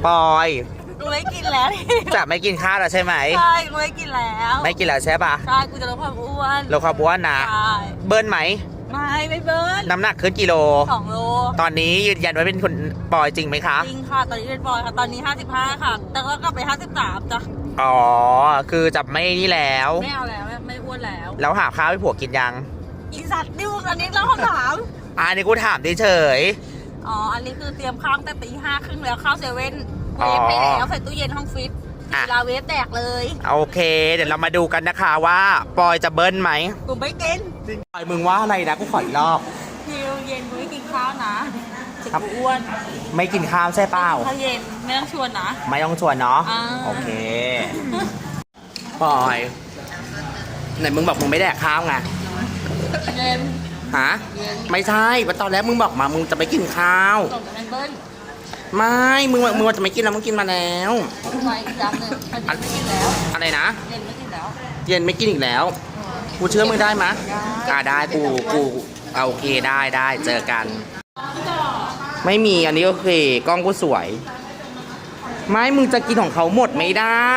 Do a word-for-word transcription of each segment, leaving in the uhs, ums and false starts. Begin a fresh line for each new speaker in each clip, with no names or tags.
ปอย
กูไม่กินแล้ว
จะไม่กินข้าวแล้วใช่ไหม
ใช่กูไม่กินแล้ว
ไม่กินแล้วใช่ปะ
ใช่กูจะลดความอ้วน
ลดความอ้วนนะเบิ้ลไหม
ไม่ไม่เบิ้ล
น้ำหนักขึ้นกิโล
สองโล
ตอนนี้ยืนยันว่าเป็นคนปอยจริงไหมคะ
จริงค่ะตอนนี้เป็นปอยค่ะตอนนี้ห้าสิบห้าค่ะแต่ก็กลับไปห้าสิบสามจ้ะ
อ๋อคือจะไม่นี่แล้ว
ไม่เอาแล้วไม่อ้วนแล้ว
แล้วหาข้าวให้ผัวกินยัง
อีสัตว์ดิวอันนี้เราคำถาม
อันนี้กูถามเฉย
อ๋ออันนี้คือเตรียมข้าวแต่ตีห้าครึ่งแล้วข้าวเซเว่นเวฟให้แล้วใส่ตู้เย็นห้องฟิตลาเวฟแตกเลย
โอเคเดี๋ยวเรามาดูกันนะคะว่าปอยจะเบิ้ลไหม
กูไม่กิน
ปอยมึงว่าอะไรนะกูขออีกรอบ
คิวเย็นกูไม่กินข้าวนะจะอ้วน
ไม่กินข้าวใช่เปล่า
ข้าวเย็นไม่ต้องชวนนะ
ไม่ต้องชวนเนาะโอเคปอยไหนมึงบอกมึงไม่แดกข้าวไง
เย็น
ฮะไม่ใช่ตอนแรกมึงบอกมามึงจะไม่กินข้าวไม่มึงมึงจะไม่กินแล้วมึงกินมาแล้ว
ไม่อีกจานหนึ่งอันนี้ไม่กินแล้ว
อะไรนะ
เย็นไม่กินแล้ว
เย็นไม่กินอีกแล้วกูเชื่อมึงได้ไหมอ่าได้กูกูเอาโอเคได้ได้เจอกันไม่มีอันนี้โอเคกล้องกูสวยไม่มึงจะกินของเขาหมดไม่ได้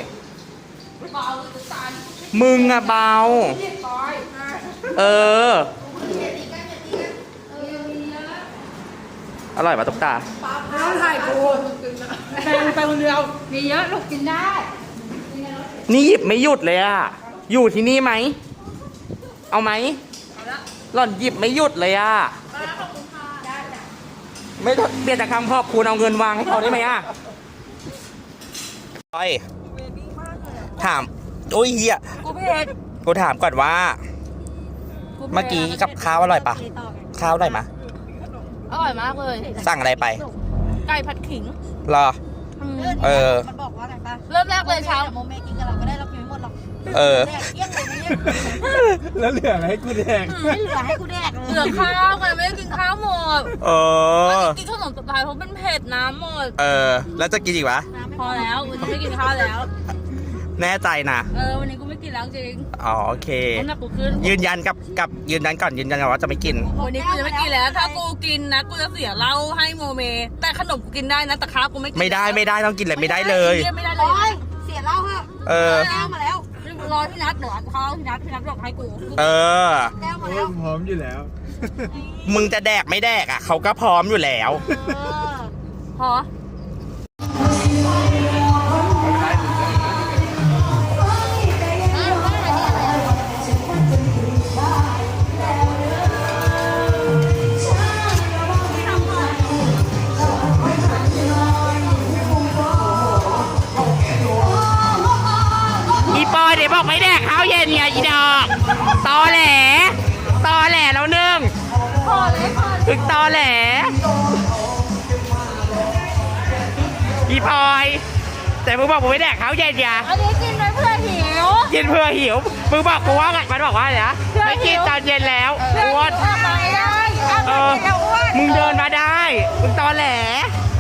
มึงอะเบาเอออร่อยป่ะตุ๊กตา
ไม่ต้องถ่ายกูแฟนไปคนเดียวมีเยอะลูกกินได้
นี่หยิบไม่หยุดเลยอะอยู่ที่นี่ไหมเอาไหมหล่อนหยิบไม่หยุดเลยอะไม่เปลี่ยนจากคำขอบคุณเอาเงินวางให้เขาได้ไหมอะไปถามโอ้ยเฮีย
กูเผ็ด
กูถามก่อนว่าเมื่อกี้กับข้าวอร่อยปะข้าวอร่อยมะ
อร่อยมากเลย
สั่งอะไรไป
ไก่ผัดขิง
รอเออ
มันบอกว่าไงป่ะเริ่มแรกเลยเช้าโมเมกินกับเราก็ได้เรากินไม่หมดหรอก
เออ
แล้วเหลืออะไรให้กูแดก
ไม่เหลือให้กูแดกเหลือข้าวไงไม่ได้กินข้าวหมด
เออ
กินขนมสุดท้ายเพราะเป็นเผ็ดน้ำหมด
เออแล้วจะกินอีกวะ
พอแล้ววันนี้ไม่กินข้าวแล้ว
แน่ใจนะ
เออวันนี้กูไม่กินแล้วจริง
อ๋อโอเคยืนยันกับกับยืนยันก่อนยืนยันก่อนว่าจะไม่กิน
วันนี้กูจะไม่กินแล้วถ้ากูกินนะกูจะเสียเหล้าให้โมเมแต่ขนมกูกินได้นะแต่ข้าวกูไม่กิน
ไม่ได้ไม่ได้ต้องกินเลยไม่ได้เลย
ไม่ได้เลยเสียเหล้าฮะ
เออ
แก้วมาแล้วรอพี่นัทเดี๋ยวเขาพี่นัทพี่นัทบอกให้กู
เออ
แก้วมาแล้ว
พร้อมอยู่แล้ว
มึงจะแดกไม่แดกอ่ะเขาก็พร้อมอยู่แล้ว
พอ
ปอยเดี๋ยวบอกไม่แดกข้าวเย็นไงอีดอกตอแหลตอแหลแล้วนึ่ง
พอเลยพอ
ถึงตอแหลอีปอยแต่มึงบอกมึงไม่แดกข้าวเย็นไง
อันนี้กินเพื่อหิว
กินเพื่อหิวมึงบอกกูว่าไงมันบอกว่าอะไรนะไม่กินตอนเย็นแล้วอ้วน
ทำไมได้
เออมึงเดินมาได้มึงตอแหล